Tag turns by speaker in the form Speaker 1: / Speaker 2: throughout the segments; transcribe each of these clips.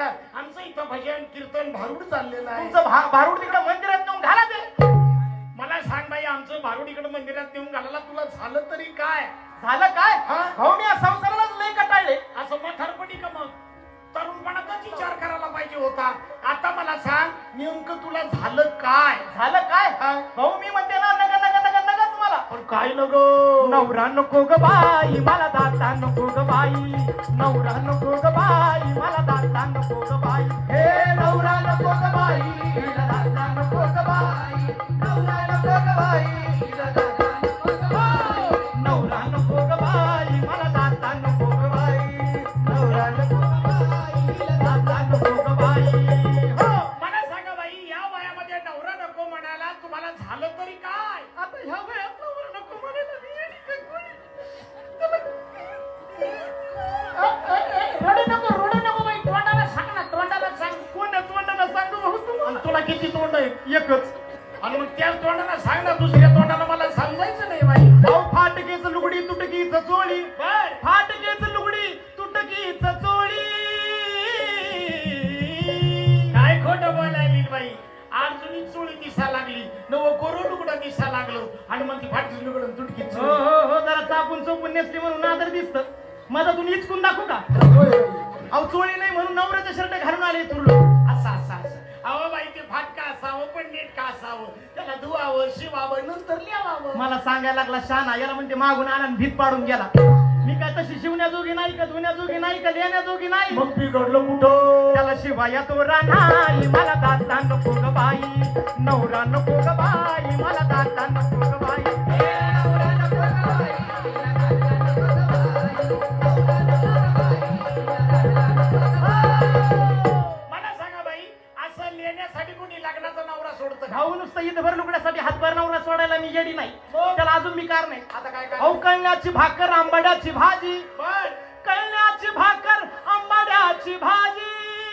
Speaker 1: का आमचं इथं भजन कीर्तन भारूड चाललेलं आहे.
Speaker 2: तुमचं भारूड तिकडे मंदिरात नेऊन घाला ते.
Speaker 1: मला सांग बाई आमचं भारूड इकडे मंदिरात नेऊन घालायला तुला झालं तरी काय?
Speaker 2: झालं काय?
Speaker 1: हा?
Speaker 2: भाऊ मी या संसारालाच लय कटाळले.
Speaker 1: असं म्हातारपणी का मग तरुणपणातच विचार करायला पाहिजे होता. आता मला सांग नेमकं तुला झालं काय?
Speaker 2: झालं काय?
Speaker 1: हा?
Speaker 2: भाऊ मी म्हणते ना नग नग नग नगच मला.
Speaker 1: पण काय नको
Speaker 2: नवरा नको ग बाई मला दाता नको ग बाई. नवरा नको ग बाई मला दाता नको ग बाई. हे नवरा नको ग बाई हिला दाता नको ग बाई. नवरा नको ग बाई हिला दाता नको ग बाई. नवरा नको ग बाई मला दाता नको ग बाई. नवरा नको ग बाई हिला दाता नको ग बाई. हो
Speaker 1: मला सांगा बाई या वयामध्ये नवरा नको म्हणाला तुम्हाला झालं तरी काय?
Speaker 2: आता ह्या वयात नवरा नको म्हणायला मी येडी काय कोणी?
Speaker 1: रडू नको बाई तोंडाला सांग ना तोंडाला सांग.
Speaker 2: कोण तोंडाला सांगू भाऊ तुम्हाला?
Speaker 1: आणि तुला किती तोंड आहे?
Speaker 2: एकच.
Speaker 1: आणि मग त्याच तोंडाला सांग ना दुसऱ्या तोंडाला मला समजायचं नाही बाई.
Speaker 2: भाऊ फाटकेच लुगडी तुटकीच चोळी.
Speaker 1: बर
Speaker 2: फाटकेच लुगडी तुटकीच चोळी.
Speaker 1: काय खोटं बोलायली बाई. अर्जुनी चोळी दिसा लागली नव कोरो लुगडं दिसा लागलो आणि मग ती फाटली लुगडं तुटकी
Speaker 2: हो हो हो जरा चापून चोपून नेसली म्हणून आदर दिसत. मधातून इचकून दाखवू का? अहो चोळी नाही म्हणून नवऱ्याचा शर्ट घालून आले तुरलो.
Speaker 1: असं असं असं. अहो बाई ते फाटका असावं पण नीट का असावं त्याला धुवावं शिवावं नंतर लिहावं.
Speaker 2: मला सांगायला लागला शाना याला म्हणते मागून आला आणि भीत पाडून गेला. मी काय तशी शिवण्याजोगी नाही का धुण्याजोगी नाही का लिहिण्याजोगी नाही.
Speaker 1: मग बिघडलं कुठं?
Speaker 2: त्याला शिवाया तो रानाई मला दाता नको ग बाई. नवरा नको ग बाई मला दाता नको ग बाई. हे नवरा नको ग बाई, मला दाता नको ग बाई. नवरा नको ग बाई, मला दाता नको ग बाई.
Speaker 1: मला सांगा बाई असं लिहिण्यासाठी कोणी लग्नाचा नवरा सोडतं का?
Speaker 2: भाऊ नुसतं इथभर लुगड्यासाठी हातभर नवरा सोडायला मी येडी नाही.
Speaker 1: मग?
Speaker 2: त्याला अजून मी कार नाही.
Speaker 1: आता काय
Speaker 2: अहो
Speaker 1: काय?
Speaker 2: कळण्याची भाकर आंबाड्याची भाजी.
Speaker 1: बर
Speaker 2: कळण्याची भाकर आंबाड्याची भाजी.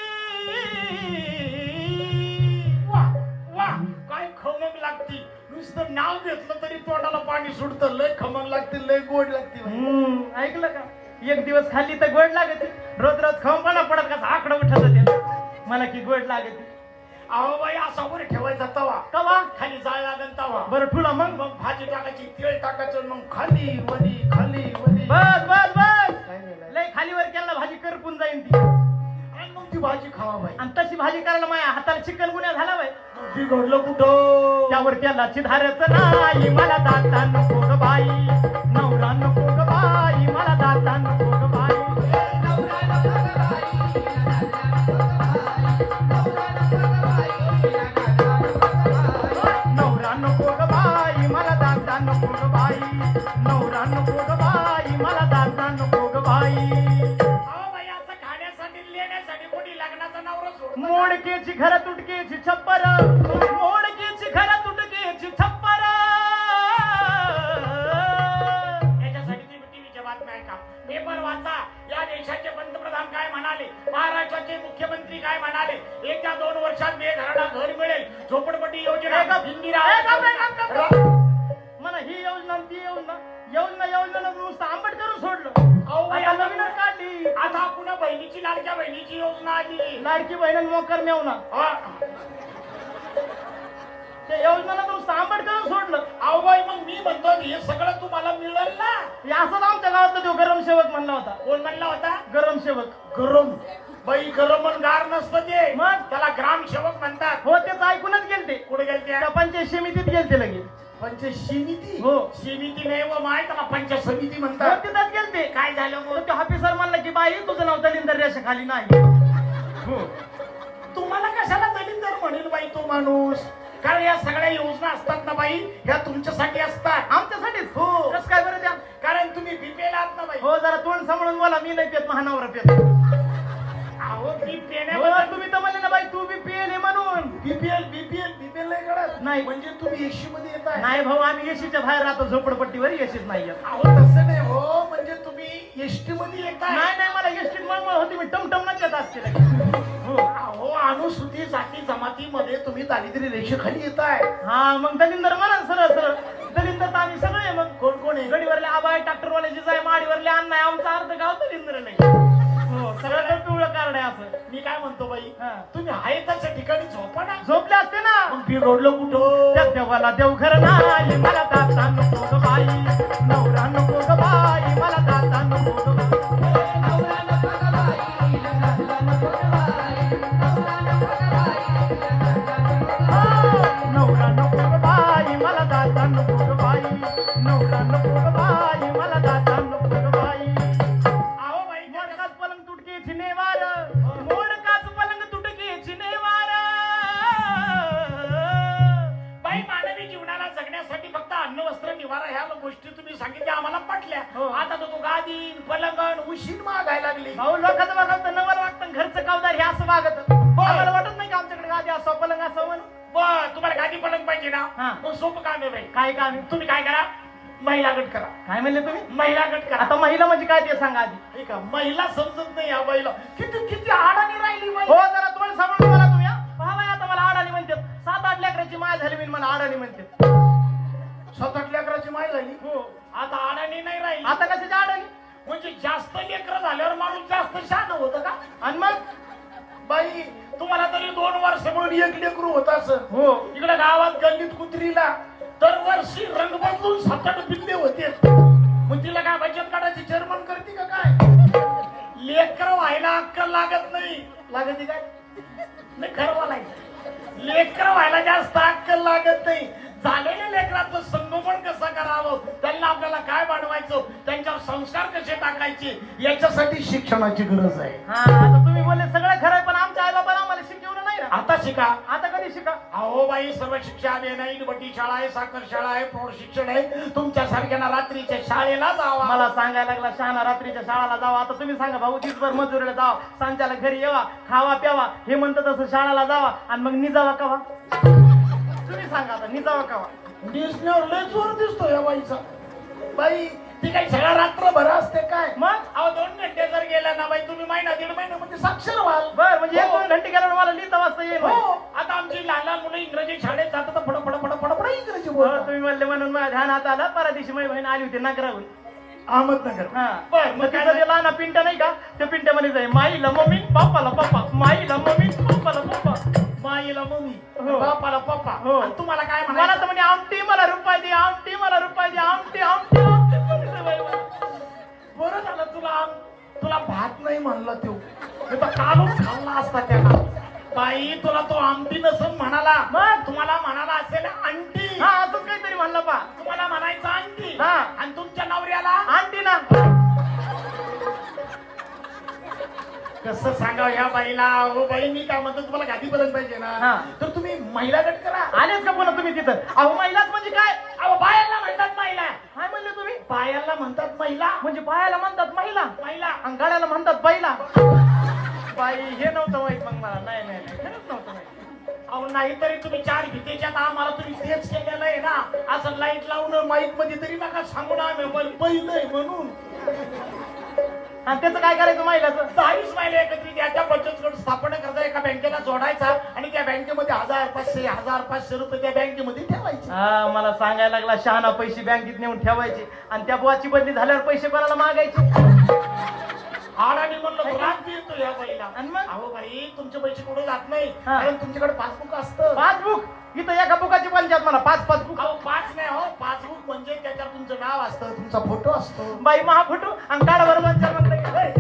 Speaker 1: वा वा काय खमंग लागती. नुसतं नाव घेतलं तरी तोंडाला पाणी सुटतं. लय खमंग लागते लय गोड लागते बाई.
Speaker 2: ऐकलं का? एक दिवस खाल्ली तर गोड लागते. रोज रोज खंपणा पडत कसा आकडा उठत होते मला की गोड लागते.
Speaker 1: अहो बाई असा वर ठेवायचा तवा
Speaker 2: कवा
Speaker 1: खाली जाळ लागन तवा.
Speaker 2: बरं ठुला मग.
Speaker 1: मग भाजी टाकायची तेल टाकायचं मग खाली वरी खाली वरी.
Speaker 2: बस बस बस
Speaker 1: काय नाही, नाही.
Speaker 2: लय खालीवर केला भाजी करपून जाईन ती.
Speaker 1: आणि मग ती भाजी खावा बाई.
Speaker 2: आणि तशी भाजी करायला माझ्या हाताला चिकन गुन्हा झाला बाई.
Speaker 1: बिघडलं कुठं?
Speaker 2: त्यावर त्याला चिधारच नाही मला दाता नको ग बाई. नवरा नको ग बाई मला दाता नको ग बाई. नवरा नको ग बाई, मला दाता नको ग बाई. नवरा नको ग बाई, मला दाता नको ग बाई. नवरा नको ग बाई मला दाता नको ग बाई. नवरा नको ग बाई मला दाता नको ग बाई.
Speaker 1: अहो बाई असं खाण्यासाठी लिहिण्यासाठी कोणी लग्नाचा नवरा सोडतं का?
Speaker 2: मोडकेची घर तुटकेची छप्पर. मोडकेची घर तुटकेची छप्पर.
Speaker 1: याच्यासाठी तुम्ही टीव्हीच्या बातम्या ऐका पेपर वाचा. या देशाचे पंतप्रधान काय म्हणाले महाराष्ट्राचे मुख्यमंत्री काय म्हणाले. येत्या 2 वर्षात बेघरांना घर मिळेल. झोपडपट्टी योजना इंदिरा
Speaker 2: मला ही योजना आणि ती योजना योजना नुसतं आंबट करून सोडलं.
Speaker 1: अहो बाई,
Speaker 2: आता
Speaker 1: आता
Speaker 2: नवीनच काढली.
Speaker 1: आता पुन्हा बहिणीची लाडक्या बहिणीची योजना आली.
Speaker 2: लाडकी बहिण मोकर मेवना
Speaker 1: हा.
Speaker 2: ते योजनाला नुसतं आंबट करून सोडलं.
Speaker 1: अहो बाई मग मी म्हणतो हे सगळं तुम्हाला मिळेल ना.
Speaker 2: हे असंच आमच्या गावातला तो गरम सेवक म्हणला होता.
Speaker 1: कोण म्हणला होता?
Speaker 2: गरम सेवक.
Speaker 1: गरम बाई गरम आणि गार नसतं ते.
Speaker 2: मग?
Speaker 1: त्याला ग्रामसेवक म्हणतात.
Speaker 2: हो तेच ऐकूनच गेलते.
Speaker 1: कुठे गेलते?
Speaker 2: त्या पंचायत समितीत गेलते लगे.
Speaker 1: पंचायत समिती.
Speaker 2: हो.
Speaker 1: समिती नाही व माय त्याला पंचायत समिती
Speaker 2: हो
Speaker 1: म्हणतात.
Speaker 2: तिथंच गेलते.
Speaker 1: काय झालं
Speaker 2: मग
Speaker 1: मग?
Speaker 2: ते ऑफिसर म्हणला की बाई तुझं नाव दलिंदर रेषाखाली नाही. हो.
Speaker 1: तुम्हाला कशाला दलिंदर म्हणेल बाई तो माणूस? कारण या सगळ्या योजना असतात ना बाई ह्या तुमच्यासाठी असतात.
Speaker 2: आमच्यासाठीच.
Speaker 1: हो.
Speaker 2: कसं काय बरं त्या?
Speaker 1: कारण तुम्ही बीपीएल आहात ना बाई.
Speaker 2: हो जरा तोंड सांभाळून बोला. मी नाही पेत महानवरा पेत.
Speaker 1: अहो बी
Speaker 2: हो,
Speaker 1: पेण्याबद्दल
Speaker 2: तुम्ही तर म्हणले ना बाई तू बी पेल म्हणून.
Speaker 1: बीपीएल नाही कळत.
Speaker 2: नाही.
Speaker 1: म्हणजे तुम्ही एसी मध्ये येताय.
Speaker 2: नाही भाऊ आम्ही एसीच्या बाहेर राहतो झोपडपट्टीवर. एसीच नाही येत.
Speaker 1: अहो तसं नाही हो म्हणजे तुम्ही एसटी मध्ये येताय.
Speaker 2: नाही मला एसटीत मळमळ होती. मी टमटमनाच येत असते लगे. हो.
Speaker 1: अहो अनुसूचित जाती जमातीमध्ये तुम्ही दारिद्र्य रेषेखाली येताय.
Speaker 2: हा मग दलिंदर म्हणा सरळ सरळ. दलिंदर तर आम्ही सगळे मग.
Speaker 1: कोण कोण आहे?
Speaker 2: गडीवरले आबाई ट्रॅक्टरवाल्याची जाय माडीवरले अन्न आहे. आमचा अर्ध गाव दलिंदर नाही. हो सगळं पिवळं कार्ड आहे असं.
Speaker 1: मी काय म्हणतो बाई,
Speaker 2: हा.
Speaker 1: तुम्ही आहे तशा ठिकाणी झोपा ना.
Speaker 2: झोपले असते ना.
Speaker 1: मग बिघडलं कुठं?
Speaker 2: त्या देवाला देवघर नाही, मला दाता नको ग बाई, नवरा नको ग बाई, मला दाता नको ग बाई. नवरा नको ग बाई, नवरा नको ग बाई, नवरा नको ग बाई, नवरा नको ग बाई, मला दाता नको ग बाई, नवरा नको ग बाई, मला दाता नको ग बाई.
Speaker 1: अहो बाई,
Speaker 2: मोडकाच पलंग तुटके चिनेवार, मोडकाच पलंग तुटके चिनेवार.
Speaker 1: बाई मानवी जीवनाला जगण्यासाठी फक्त अन्न वस्त्र निवारा ह्या गोष्टी तुम्ही सांगितल्या आम्हाला पटल्या.
Speaker 2: हो.
Speaker 1: आता तर तू गादी पलंगण उशीन मागायला लागली.
Speaker 2: भाऊ लोकांचं बघत नवल वाटतं, घरचं कावदार हे असं वागत. आम्हाला वाटत नाही का आमच्याकडे गादी असं पलंग असं म्हणून.
Speaker 1: बर, तुम्हाला गादी पलंग पाहिजे ना?
Speaker 2: हा.
Speaker 1: मग सोपं काम आहे बाई.
Speaker 2: काय काम आहे?
Speaker 1: तुम्ही काय करा, महिला गट करा.
Speaker 2: काय म्हणले तुम्ही?
Speaker 1: महिला गट करा.
Speaker 2: आता महिला म्हणजे काय ते सांगा आधी.
Speaker 1: हे का महिला समजत नाही या बाईला. किती किती आडाणी राहिली बाई.
Speaker 2: हो जरा तोंड सांभाळून बोला तुम्ही. पहा बाई, आता मला आडाणी म्हणतात. 7-8 लेकराची माय झाली मी मला आडाणी म्हणतात.
Speaker 1: 7-8 लेकराची माय झाली.
Speaker 2: हो.
Speaker 1: आता आडाणी नाही राहिली.
Speaker 2: आता कशाची आडाणी?
Speaker 1: म्हणजे जास्त लेकर झाल्यावर माणूस जास्त शहाणा होतं का?
Speaker 2: आणि मग
Speaker 1: बाई तुम्हाला तरी 2 वर्ष म्हणून एक लेकरू होत असं.
Speaker 2: हो.
Speaker 1: इकडे गावात गल्लीत कुत्रीला दरवर्षी रंग बदलून 7-8 पिल्ले होते. मग तिला काय बचत काढायची चेअरमन करते का काय? लेकर व्हायला अक्कल लागत नाही. लागते काय? नाही खरं बोलायचं. लेकर व्हायला जास्त अक्कल लागत नाही. झालेल्या लेकरांचं संगोपन कसं करावं, त्यांना आपल्याला काय बनवायचं, त्यांच्यावर संस्कार कसे टाकायचे, याच्यासाठी शिक्षणाची गरज आहे.
Speaker 2: हा, आता तुम्ही बोलले सगळं खरं आहे, पण आमच्या आई बाबांना आम्हाला शिकवलं नाही ना.
Speaker 1: आता शिका.
Speaker 2: आता कधी शिका?
Speaker 1: अहो बाई, सर्व शिक्षा आहे नाही. बटी शाळा आहे, साखर शाळा आहे, प्रौढ शिक्षण आहे. तुमच्या सारख्यांना रात्रीच्या शाळेला जावा.
Speaker 2: मला सांगायला लागला शहाणा रात्रीच्या शाळेला जावा. आता तुम्ही सांगा भाऊ, दिवसभर मजुरीला जावा, सांच्याला घरी येवा, खावा प्यावा, हे म्हणतं तसं शाळेला जावा आणि मग निजावा कवा? तुम्ही सांगा आता निजावा कवा?
Speaker 1: दिसण्यावर लय जोर दिसतो या बाईचा. बाई ती काही सगळा रात्रभर असते काय?
Speaker 2: मग
Speaker 1: अहो 2 घंटे जर गेला ना बाई, तुम्ही महिना 1.5 महिन्यामध्ये साक्षर व्हाल.
Speaker 2: बर, म्हणजे
Speaker 1: हो.
Speaker 2: 1-2 घंटे गेल्यावर मला लिहिता वाचता येईल.
Speaker 1: हो. आता आमची लहान लहान मुलं इंग्रजी शाळेत जातात तर फड फड फड फड फड इंग्रजी
Speaker 2: हो,
Speaker 1: बोलतात.
Speaker 2: तुम्ही म्हणले म्हणून माझ्या ध्यानात आलं. परदिवशी माझी बहीण आली होती नागराहून.
Speaker 1: अहमदनगर.
Speaker 2: हा.
Speaker 1: बर,
Speaker 2: मग तिचं ते लहान पिंट्या नाही का, त्या पिंट्यामध्ये जाई माईला मम्मी बापाला पप्पा, माईला मम्मी बापाला पप्पा.
Speaker 1: माईला मम्मी,
Speaker 2: हो.
Speaker 1: बापाला पप्पा.
Speaker 2: हो.
Speaker 1: आणि तुम्हाला काय
Speaker 2: मला
Speaker 1: म्हणायचं?
Speaker 2: तर म्हणे आमटी मला रुपये दे, आमटी मला रुपये दे, आमटी आमटी आमटी म्हणते बाई मला.
Speaker 1: बरं झालं तुला भात नाही म्हणला तो. नाही तर कालून खाल्ला असता त्याला. बाई तुला तो आमटी नसून म्हणाला.
Speaker 2: मग?
Speaker 1: तुम्हाला म्हणाला असेल अंटी.
Speaker 2: हा, असंच काहीतरी म्हणलं पा.
Speaker 1: तुम्हाला म्हणायचं अंटी.
Speaker 2: हा.
Speaker 1: आणि तुमच्या नवऱ्याला
Speaker 2: आंटी ना.
Speaker 1: कसं सांगावं ह्या बाईला? हो बाई, मी काय म्हणतो, तुम्हाला गादी बदल पाहिजे
Speaker 2: हा.
Speaker 1: ना, तर तुम्ही महिला गट करा.
Speaker 2: आलेच का पुन्हा तुम्ही तिथं? अहो महिलाच म्हणजे काय?
Speaker 1: अहो बायाला म्हणतात महिला.
Speaker 2: काय म्हणले तुम्ही?
Speaker 1: बायाला म्हणतात महिला.
Speaker 2: म्हणजे बायाला म्हणतात महिला
Speaker 1: महिला.
Speaker 2: आणि गाड्याला म्हणतात बैला. बाई हे नव्हतं माहित मग मला. नाही नाही नाही, खरंच नव्हतं माहित.
Speaker 1: अहो नाहीतरी तुम्ही 4 भीतेच्यात आम्हाला तुम्ही तेच केलेलं आहे ना. असं लाईट लावून माईक मध्ये तरी नका सांगू ना आम्ही पहिलंय म्हणून.
Speaker 2: आणि त्याचं काय करायचं महिलाचं?
Speaker 1: 10 महिला एकत्रित याच्या बचत गट स्थापना करता, एका बँकेला जोडायचा आणि त्या बँकेमध्ये 1000-500 रुपये त्या बँकेमध्ये ठेवायचे.
Speaker 2: हा, मला सांगायला लागला शहाणा पैसे बँकेत नेऊन ठेवायचे आणि त्या बुवाची बदली झाल्यावर पैसे कोणाला मागायचे?
Speaker 1: आणि म्हणलं राग येतो या बाईला.
Speaker 2: आणि मग?
Speaker 1: अहो बाई, तुमचे पैसे कुठे जात नाही,
Speaker 2: हा.
Speaker 1: कारण तुमच्याकडे पासबुक असतं.
Speaker 2: पासबुक? इथं एका बुकाची पंचायत मला 5 पासबुक.
Speaker 1: अहो 5 नाही हो, पासबुक म्हणजे त्याच्यावर तुमचं नाव असतं, तुमचा फोटो असतो.
Speaker 2: बाई महा फोटो आणि काढा बरोबर म्हणलं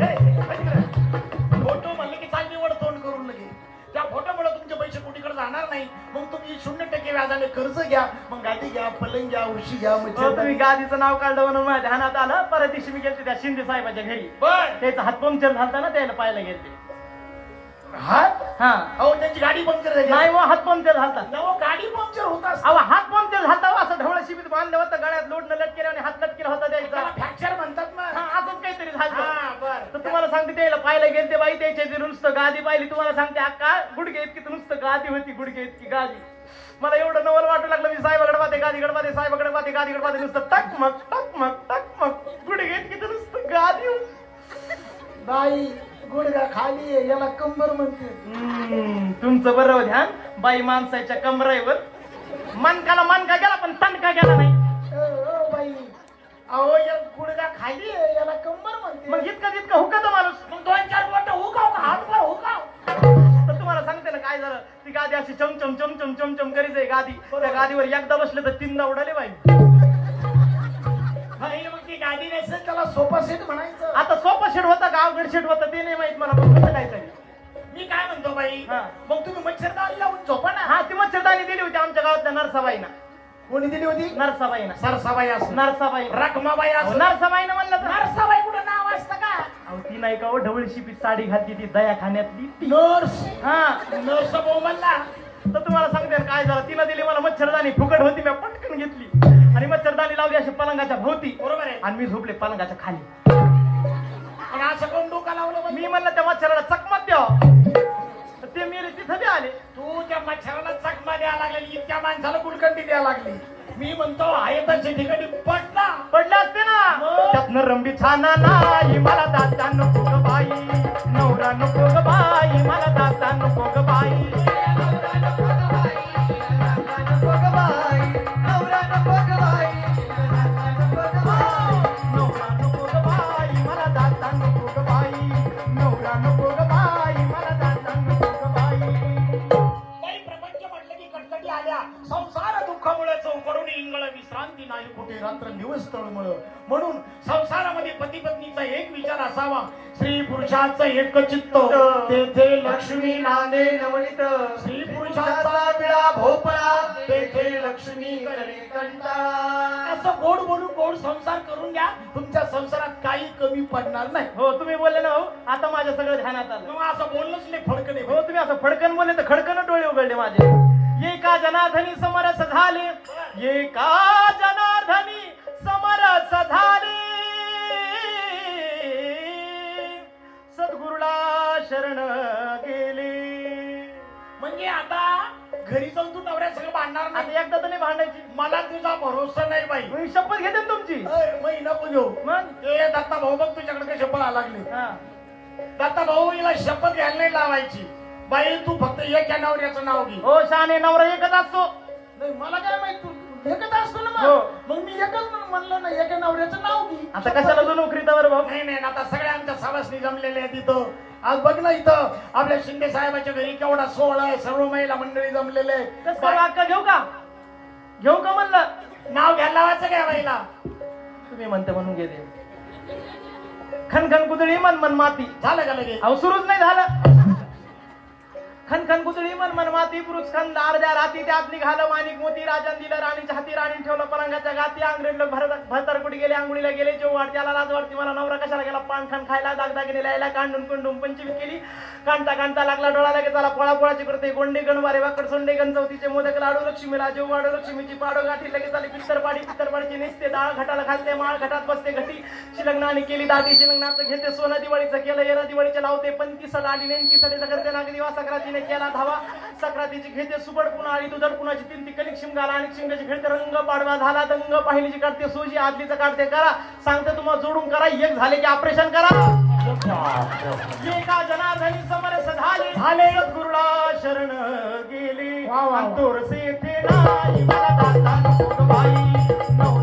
Speaker 1: फोटो म्हणले की चाल निवड तोंड करून लगे. त्या फोटोमुळे तुमचे पैसे कुठीकडे जाणार नाही. मग तुम्ही 0% व्याजाने कर्ज घ्या, मग गाडी घ्या, पलंग घ्या, उशी घ्या.
Speaker 2: तुम्ही गादीचं नाव काढलं म्हणून माझ्या ध्यानात आलं. परत दिवशी मी गेलते त्या शिंदे साहेबाच्या घरी.
Speaker 1: बर.
Speaker 2: त्याचा हात पंक्चर झालता ना, त्याला पाहायला गेलते.
Speaker 1: हात?
Speaker 2: हा.
Speaker 1: अहो त्यांची गाडी पंक्चर झाली.
Speaker 2: नाही मग हात पंक्चर झालता.
Speaker 1: नवं गाडी पंक्चर होत असतं.
Speaker 2: अहो हात पंक्चर झालता, असं ढवळ शिबीत बांधलं होतं, गळ्यात लोडनं लटकेलं आणि हात लटकेला होता
Speaker 1: त्याला
Speaker 2: द्यायचा.
Speaker 1: फ्रॅक्चर म्हणतात ना.
Speaker 2: हा, असंच काहीतरी झालं.
Speaker 1: हा, बर.
Speaker 2: तर तुम्हाला सांगते त्याला पाहायला गेलते बाई, त्याच्या इथे नुसतं गादी पाहिली. तुम्हाला सांगते अक्का गुडघे इतकी तर नुसतं गादी होती, गुडघे इतकी गादी. मला एवढं नवल वाटू लागलं. मी साहेबाकडे पाहते, गादीकडे पाहते, साहेबाकडे पाहते, गादीकडे पाहते, नुसतं टकमक टकमक टकमक गुडघे इतकी तर नुसतं गादी होती.
Speaker 1: बाई गुडघा खाली आहे, याला कंबर म्हणते.
Speaker 2: तुमचं बरोबर ध्यान. बाई माणसाच्या कमराईवर मनकाला मनका गेला पण तणका गेला नाही.
Speaker 1: बाई अहो या गुडघा खाली आहे, याला कंबर म्हणते.
Speaker 2: मग इतका तितका हुकत माणूस.
Speaker 1: मग 2-4 बोट हुकाव का, हातभर हुकाव.
Speaker 2: काय झालं ती गादी अशी चमचम चमचम चमचम करीच आहे गादी त्या गादीवर एकदा बसले तर तीनदा उडाले बाई
Speaker 1: मग ती गाडी नसेल त्याला सोफा सेट म्हणायचं.
Speaker 2: आता सोफा शेड होता का अवघड शेड होता ते नाही माहित मला पण कसं काय तरी
Speaker 1: मी काय म्हणतो बाई
Speaker 2: हा.
Speaker 1: मग तुम्ही मच्छरदाणी लावून झोपा ना.
Speaker 2: हा ती मच्छरदाणी दिली होती आमच्या गावातल्या नरसाबाईना.
Speaker 1: कोणी दिली होती?
Speaker 2: नरसाबाईना.
Speaker 1: सरसाबाई असं
Speaker 2: नरसाबाई
Speaker 1: रखमाबाई असं
Speaker 2: नरसाबाईनं म्हणलं तर
Speaker 1: नरसाबाई कुठं नाव असतं का?
Speaker 2: अहो ती नाही का हो ढवळीशी पीठ साडी घातली ती दयाखान्यातली ती
Speaker 1: नर्स.
Speaker 2: हा
Speaker 1: नर्स भाऊ म्हणला
Speaker 2: तर तुम्हाला सांगते ना काय झालं तिला दिली मला मच्छरदाणी फुकट होती मी पटकन घेतली आणि मच्छरदाणी लावली अशी पलंगाच्या भोवती
Speaker 1: बरोबर आहे.
Speaker 2: आणि मी झोपले पलंगाच्या खाली
Speaker 1: आणि असं कोण डोका लावलं बा?
Speaker 2: मी म्हणलं त्या मच्छराला चकमत द्यावं तर ते मेले तिथं बी आले
Speaker 1: तू त्या मच्छराला चकमा द्यायला लागलेली इतक्या माणसाला गुलकंडी द्यायला लागली. मी म्हणतो आयताच्या ठिकाणी पडला
Speaker 2: पडले असते ना
Speaker 1: मग?
Speaker 2: त्यातनं रंबी छाना नाही मला दाता नको ग बाई नवरा नको ग बाई मला दाता नको ग बाई नवरा नको ग बाई नको ग बाई नवरा नको ग बाई नको ग बाई नवरा नको ग बाई मला दाता नको ग बाई नवरा नको ग बाई मला दाता नको ग बाई.
Speaker 1: काही प्रपंच म्हटलं की कटकटी आल्या संसार दुःखामुळे चौकडून इंगळ विश्रांती नाही कुठे रात्र दिवस तळमळ. म्हणून संसारामध्ये पती पत्नीचा एक विचार असावा स्त्री पुरुषाचं एक चित्त तेथे लक्ष्मी नांदे नवनीत स्त्री पुरुषाचा विळा भोपळा तेथे लक्ष्मी करे कंटाळा. असं गोड बोलून गोड संसार करून घ्या तुमच्या संसारात काही कमी पडणार नाही.
Speaker 2: हो तुम्ही बोलले ना हो आता माझ्या सगळं ध्यानात आलं.
Speaker 1: मग असं बोललंच नाही फडकणे.
Speaker 2: हो तुम्ही असं फडकन बोलले तर खडकन डोळे उघडले माझे. एका जनार्दनी समरस झाले एका जनार्दनी समरस झाले सद्गुरुला शरण गेले.
Speaker 1: म्हणजे आता घरी जाऊन तू नवऱ्या सगळं भांडणार नाही.
Speaker 2: आता एकदा तर नाही भांडायची.
Speaker 1: मला तुझा भरोसा नाही बाई.
Speaker 2: मी शपथ घेते ना तुमची.
Speaker 1: मग नको घेऊ.
Speaker 2: मग
Speaker 1: ते दत्ता भाऊ बघ तुझ्याकडे कशी शपथ लागली.
Speaker 2: हा
Speaker 1: दत्ता भाऊ हिला शपथ घ्यायला नाही लावायची. बाई तू फक्त एका नवऱ्याचं नाव घे.
Speaker 2: हो शहाणे नवरा एकच असतो.
Speaker 1: नाही मला काय माहित तू एकच असतो ना
Speaker 2: हो.
Speaker 1: मग मी एकच म्हणलं ना एका नवऱ्याचं नाव घे.
Speaker 2: आता कशाला जो नोकरीचा बरं भाऊ.
Speaker 1: नाही नाही आता सगळ्या आमच्या सवासनी जमलेल्या आहेत इथं. आज बघ ना इथं आपल्या शिंदे साहेबाच्या घरी केवढा सोहळा आहे. सर्व महिला मंडळी जमलेले आहे.
Speaker 2: कसं करू अक्का घेऊ का घेऊ का म्हणलं.
Speaker 1: नाव घ्यायला लावायचं काय बाईला.
Speaker 2: तुम्ही म्हणते म्हणून घेते. खनखन कुदळी मन मन माती.
Speaker 1: झालं का लगे.
Speaker 2: अहो सुरूच नाही झालं. खनखन कुदळी मन मन माती पुरुष खंद अर्ध्या राती त्यात निघालं माणिक मोती राजन दिलं राणीच्या हाती राणी ठेवलं पलंगाच्या गाती अंग्रेज लोक भरतरकुटी गेले अंघोळीला गेले जेव वाट त्याला लाज वाटती मला नवरा कशाला गेला पान खान खायला दागदागिने लायला कांडून कुंडून पंचवीत केली कांता कांता लागला डोळा लागे त्याला पोळा पोळाची करते गोंडे गणवारे वाकड सोंडे गणचौतीचे मोदक लाडू लक्ष्मीला जेव वाडू लक्ष्मीची पाडो गाठी लगेच आली पित्तरपाडीची नेसते डाळ घटाला घालते माळ घटात बसते घटी शिलग्नाने केली दाटी शिलग्नाचं घेते सोनं दिवाळीचं केलं येणं दिवाळीचे लावते पंती सड आली नेमकी सडे करते नाग दिवा सक्रातीने केला धावा सक्रातीची घेते सुबड पुन्हा आली तुझड पुन्हाची तीन ती कलिक शिमगाला आणि शिमग्याची खेळते रंग पाडवा झाला दंग पाहिलीची काढते सोजी आदलीचं काढते करा सांगते तुम्हाला जोडून करा एक झाले की ऑपरेशन करा. एका जनार्दनी समरस झाले सद्गुरुला शरण गेले
Speaker 1: वा, वा, वा.
Speaker 2: तोरसे थे नाही मला दाता नको ग बाई